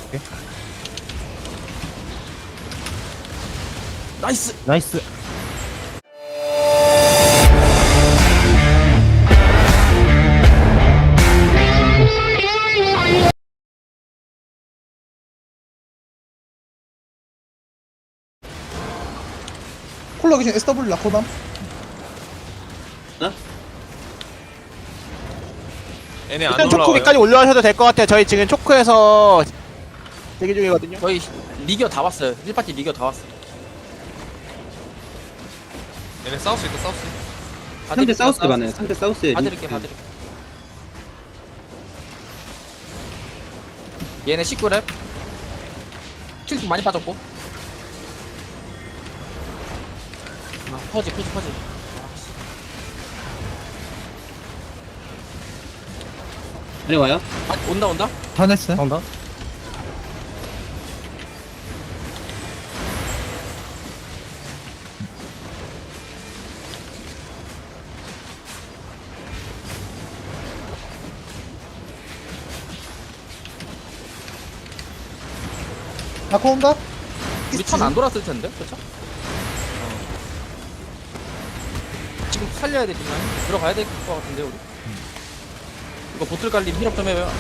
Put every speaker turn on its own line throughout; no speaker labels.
나이스.
나이스.
콜라 기준 SW 라코담.
얘네 안
일단
올라와요.
초코기까지 올려하셔도 될 것 같아요. 저희 지금 초코에서 대기 중이거든요.
저희 리기어 다 왔어요. 1파티 리기어 다 왔어. 얘네 싸울 수 있다. 싸울 수 있다.
상대 사우스 가네요. 상대 사우스에
봐드릴게. 얘네 19랩. 킬도 많이 빠졌고. 아, 퍼지.
내려와요.
아, 온다.
턴했어. 온다.
라코 온다.
우리 턴 안 돌았을 텐데, 그쵸? 지금 살려야 돼, 뒷라인. 들어가야 될 것 같은데, 우리. 이거 보틀 깔림 힐업 좀 해요.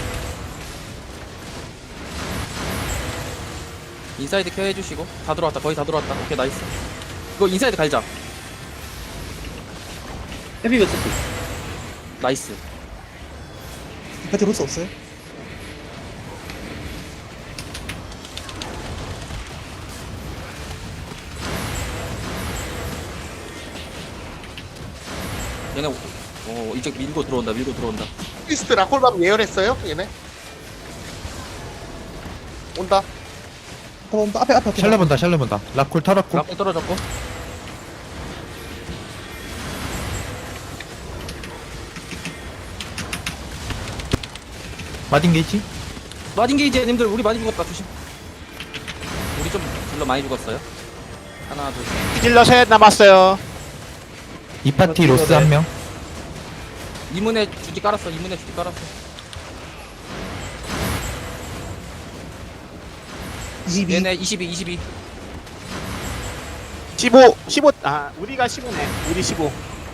인사이드 케어 해주시고. 다 들어왔다, 거의 다 들어왔다. 오케이, 나이스. 이거 인사이드 갈자.
헤비 몇 썼어?
나이스.
배트 로스 없어요.
얘네, 이제 밀고 들어온다.
이스트 라콜밤 예열했어요? 얘네? 온다.
온다. 앞에.
샬러 본다. 라콜 털었고.
라플 떨어졌고.
마딘 게이지.
마딘 게이지 님들 우리 많이 죽었다. 조심. 우리 좀 둘러 많이 죽었어요. 하나, 둘, 셋.
딜러 셋 남았어요.
이 파티 로스 한 명.
이문에 주디 깔았어. 얘네 22.
15. 아, 우리가 15네. 우리 15.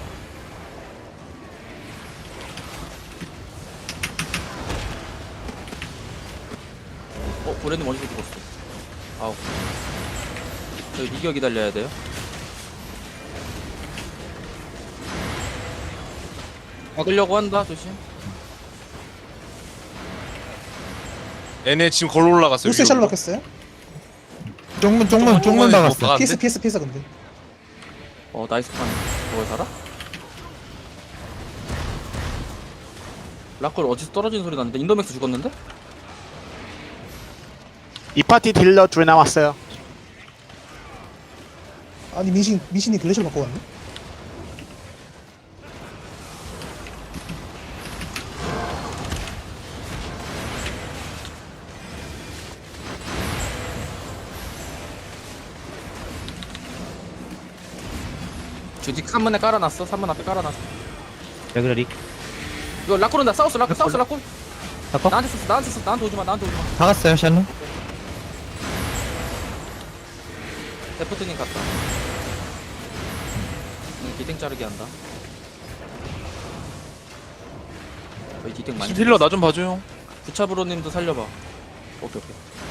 브랜드 먼저 죽었어. 아우. 저희 리기어 기다려야 돼요. 막으려고 한다. 조심.
얘네 지금 걸로 올라갔어요.
로스에 샬로 박혔어요.
쪽문 박았어.
PS 근데.
나이스 판. 뭐 살아? 라콜 어디서 떨어지는 소리 났는데 인더맥스 죽었는데?
이 파티 딜러 둘 남았어요.
아니 민신이 글래시로 바꿔왔네.
주디 3문에 깔아놨어. 3문 앞에 깔아놨어.
레그레리.
이거 라콜 온다. 사우스 라콜.
바꿔.
나한테 썼어. 나한테 오지마.
박았어요 샬러.
데프트님 갔다. 디탱 자르기 한다. 거의 디탱 많이.
힐러 나 좀 봐줘요.
부차브로님도 살려봐. 오케이.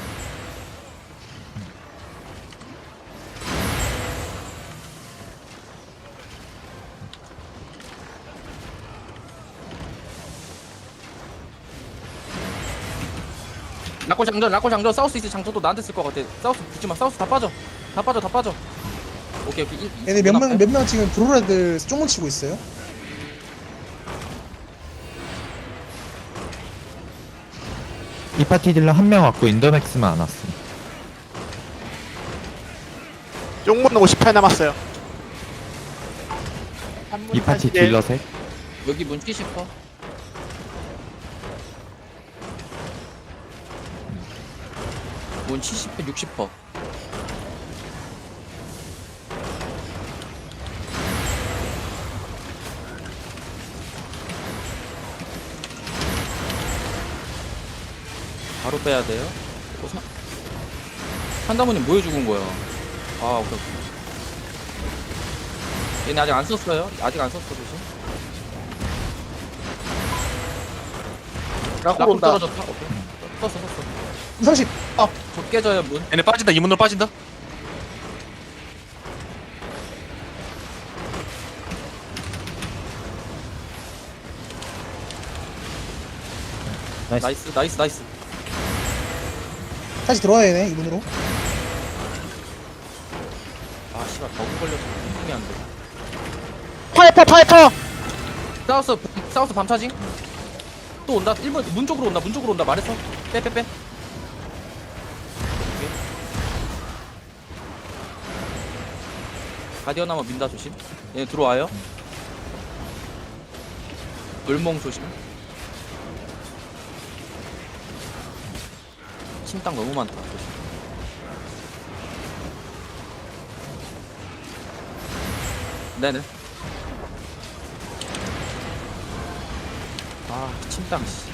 라콜 장전. 사우스 이스 장전도 나한테 쓸 것 같아. 사우스 붙지마. 사우스 다 빠져. 오케이.
얘네 몇 명 지금 브로레들 쪽문 치고 있어요.
이 파티 딜러 한 명 왔고 인더맥스만 안 왔어.
쪽문 58 남았어요.
이 파티 딜러 셋.
여기 문 70퍼. 문 70퍼 60퍼. 바로 빼야 돼요. 산다모님 뭐해 죽은 거야? 아, 오케이. 얘네 아직 안 썼어요? 아직 안 썼어, 조심. 라콜
온다.
떨어졌다. 오케이. 썼어.
30.
저 깨져요, 문.
얘네 빠진다. 이 문으로 빠진다.
나이스.
다시 들어와야 되네 이분으로.
아, 씨발, 버그 걸려서 힘이 안 돼.
파이퍼.
사우스 밤차징? 또 온다. 1번 문 쪽으로 온다. 말했어. 빼. 오케이. 가디언 한번 민다 조심. 얘네 들어와요. 을몽 조심. 침땅 너무 많다. 조심. 네네. 아, 침땅 씨.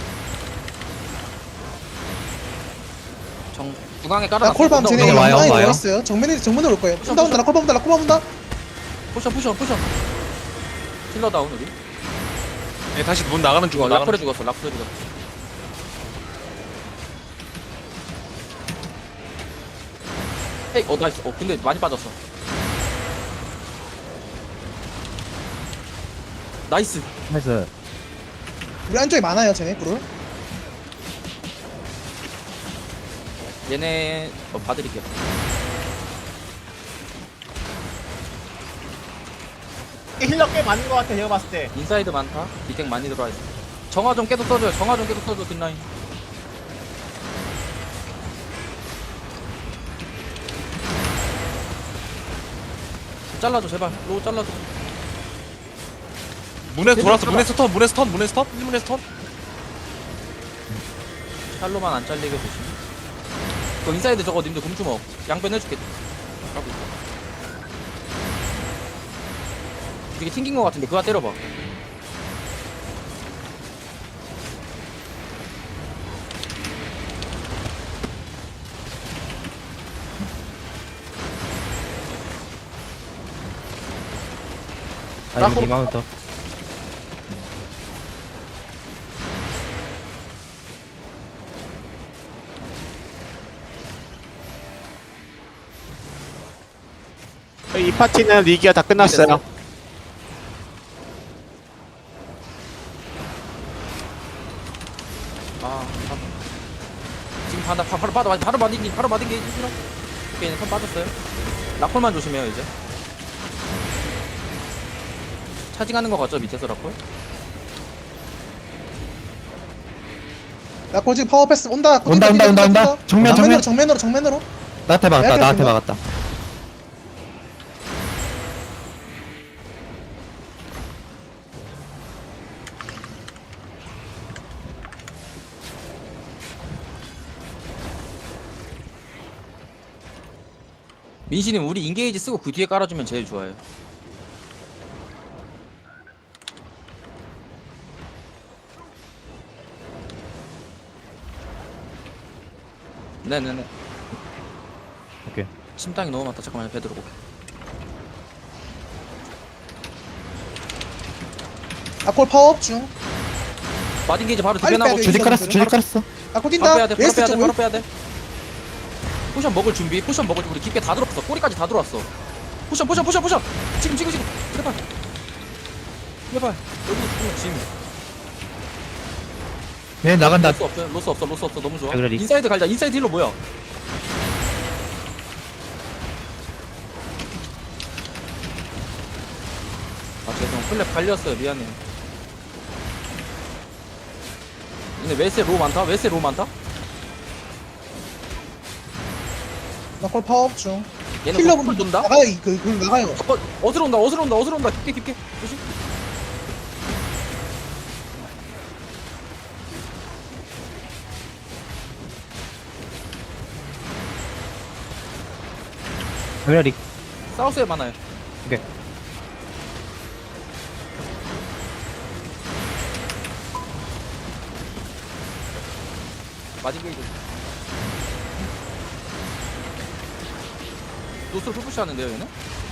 중앙에 깔아놨어.
라콜밤 쟤네
온다.
와요,
많이
와요.
들어왔어요. 정면으로 올 거예요. 온다 라콜밤 온다.
포션. 킬러 다운 우리.
얘 다시 문 나가는 중.
라플에 죽었어. 헤이, 나이스. 근데 많이 빠졌어. 나이스.
나이스.
우리 안쪽에 많아요 쟤네 불을.
얘네 봐드릴게요.
힐러 꽤 많은 것 같아, 제가 봤을 때.
인사이드 많다. 디텍 많이 들어와 있어. 정화 좀 계속 써줘요. 뒷라인. 잘라줘 제발. 로우 잘라줘.
문에서 돌았어. 문에서 턴. 1문에서 턴.
샬로만 안 잘리게 조심. 그 인사이드 저거 님들 곰주먹 양변 해줄게. 하고 있어. 되게 튕긴 거 같은데 그거 때려봐.
아, 이거 리마운터.
저희 이 파티는 리기가 다 끝났어요.
지금 바로 맞은 게 싫어. 오케이, 턴 빠졌어요. 라콜만 조심해요 이제. 차징하는 거 같죠 밑에서 라콜?
라콜 지금 파워 패스 온다.
온다. 정면.
정면으로.
나한테
내가
막았다.
민신님 우리 인게이지 쓰고 그 뒤에 깔아주면 제일 좋아요. 네네네.
오케이.
침땅이 너무 많다. 잠깐만요. 배 들어오고.
라콜 파워업 중.
마딘 게이지 바로
빨리
뒤변하고
빼야 돼.
주디 깔았어.
라콜
바로
뛴다.
빼야 돼.
웨스트 쪽.
바로 빼야 돼. 포션 먹을 준비. 우리 깊게 다 들어왔어. 꼬리까지 다 들어왔어. 포션. 지금. 제발. 여기서 죽으면 짐.
얘 나간다.
로스 없어. 너무 좋아.
그래, 리-
인사이드 갈자. 인사이드 힐러 뭐야? 죄송. 플랩 갈렸어요. 미안해. 근데 웨스에 로우 많다.
라콜 파워업 중.
얘는
힐러
풀 돈다.
나가요. 나가요.
어디로 온다. 깊게. 조심.
그래,
사우스에 많아요.
오케이.
마딘 게이지. 노스로 풀푸시 하는데요 얘는?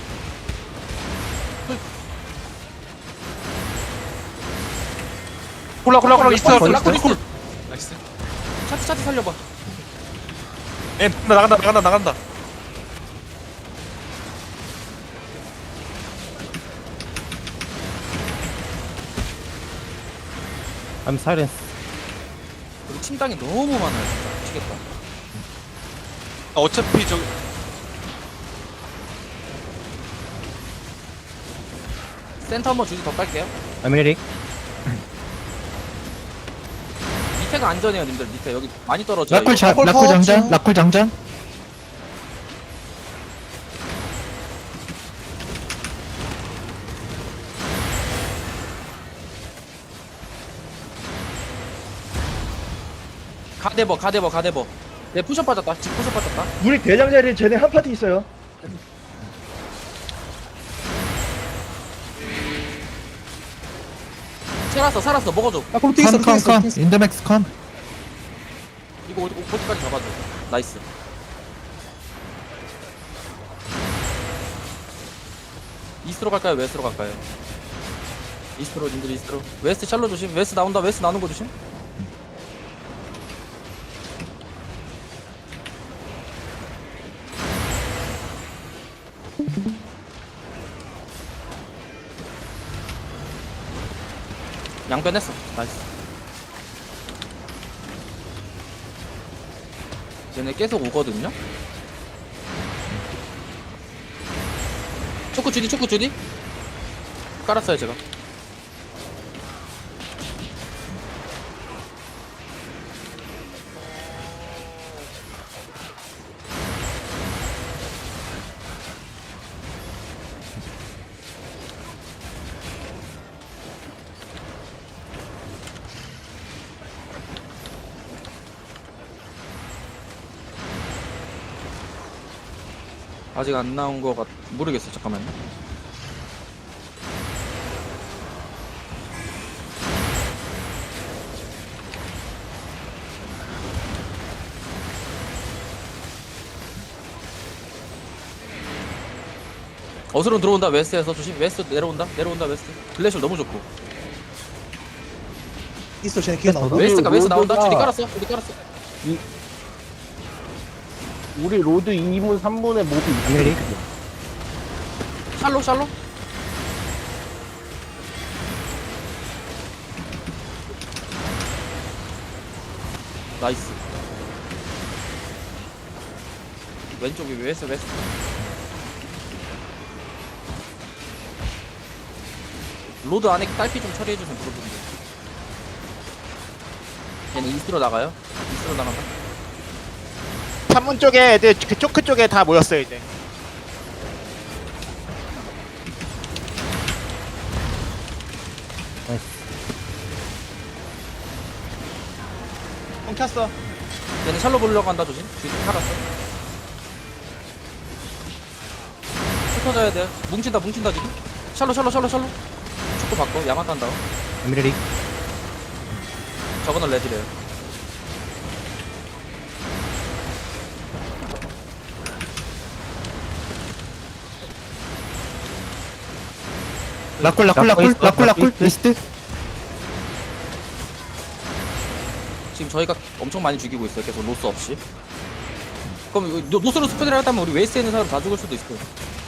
콜라 이스트
라콜 이스트.
나이스.
차트 살려봐.
예 나간다.
I'm silence.
여기 침당이 너무 많아요 진짜. 미치겠다.
어차피 저
센터 한번 주지 더 깔게요.
I'm ready.
밑에가 안전해요 님들. 밑에 여기 많이 떨어져요.
라쿨
이거.
라쿨 장전. 라쿨 장전. 가데버. 네 푸셔 빠졌다. 지금 푸셔 빠졌다.
우리 대장 자리에 쟤네 한 파티 있어요.
살았어. 먹어줘.
라콜 튀겼어 튀겼어.
인더맥스 컴.
이거 어디까지 잡아줘. 나이스. 이스트로 갈까요? 웨스트로 갈까요? 이스트로 님들 이스트로. 웨스트 샬로 조심. 웨스트 나온다. 웨스트 나오는 거 조심. 양변했어. 나이스. 얘네 계속 오거든요? 초크 주디 깔았어요 제가. 아직 안 나온 거 모르겠어. 잠깐만요. 어스로 들어온다. 웨스트에서 조심. 웨스트 내려온다 웨스트. 글래셜 너무 좋고.
이스트 쟤네 기어 나온다.
웨스트
웨스트 나온다.
로드가-
주디 깔았어.
우리 로드 2분 3분의 몹이
I'm ready.
샬로. 나이스. 왼쪽이 웨스트. 로드 안에 딸피 좀 처리해주세요. 물어보는데. 얘는 이스트로 나가요. 이스트로 나간다.
산문 쪽에 애들 그 초크 쪽에 다 모였어요 이제. 엉켰어.
얘는 샬로 보려고 한다. 조심. 뒤에 살았어. 흩어져야 돼. 뭉친다 지금. 샬로. 축구 바꿔. 야마 딴다.
I'm ready.
저거는 레디래요.
라쿨 이스트.
지금 저희가 엄청 많이 죽이고 있어요. 계속 로스 없이. 그럼 이거 노스로 스프레드를 하다면 우리 웨스트에 있는 사람 다 죽을 수도 있어요.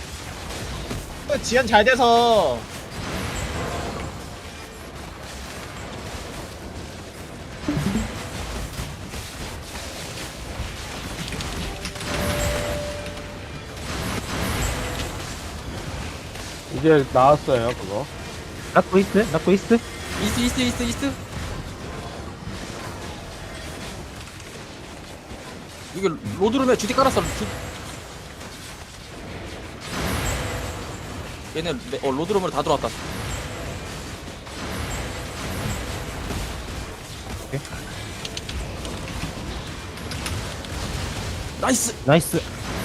지연 잘 돼서
이제 나왔어요 그거.
라쿨 이스트.
이스트. 이게 로드룸에 주디 깔았어. 얘네 로드룸으로 다 들어왔다.
나이스.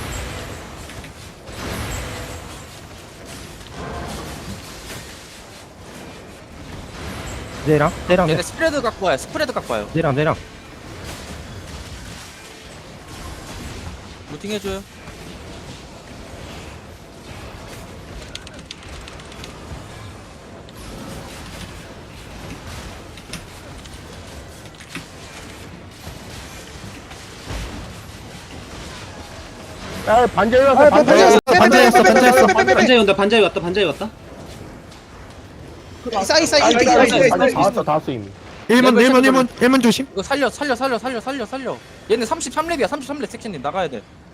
내랑
얘네 스프레드 갖고 와요.
내랑.
루팅 해줘요.
야 반자이 왔어
아,
반자이
반자였어, 반자였어.
반자이 온다 반자이 왔다 반자이 왔다.
사이
다 왔어 다 왔어 이미.
1문 조심.
이거 살려. 얘네 33렙이야 33렙 섹션님 나가야 돼.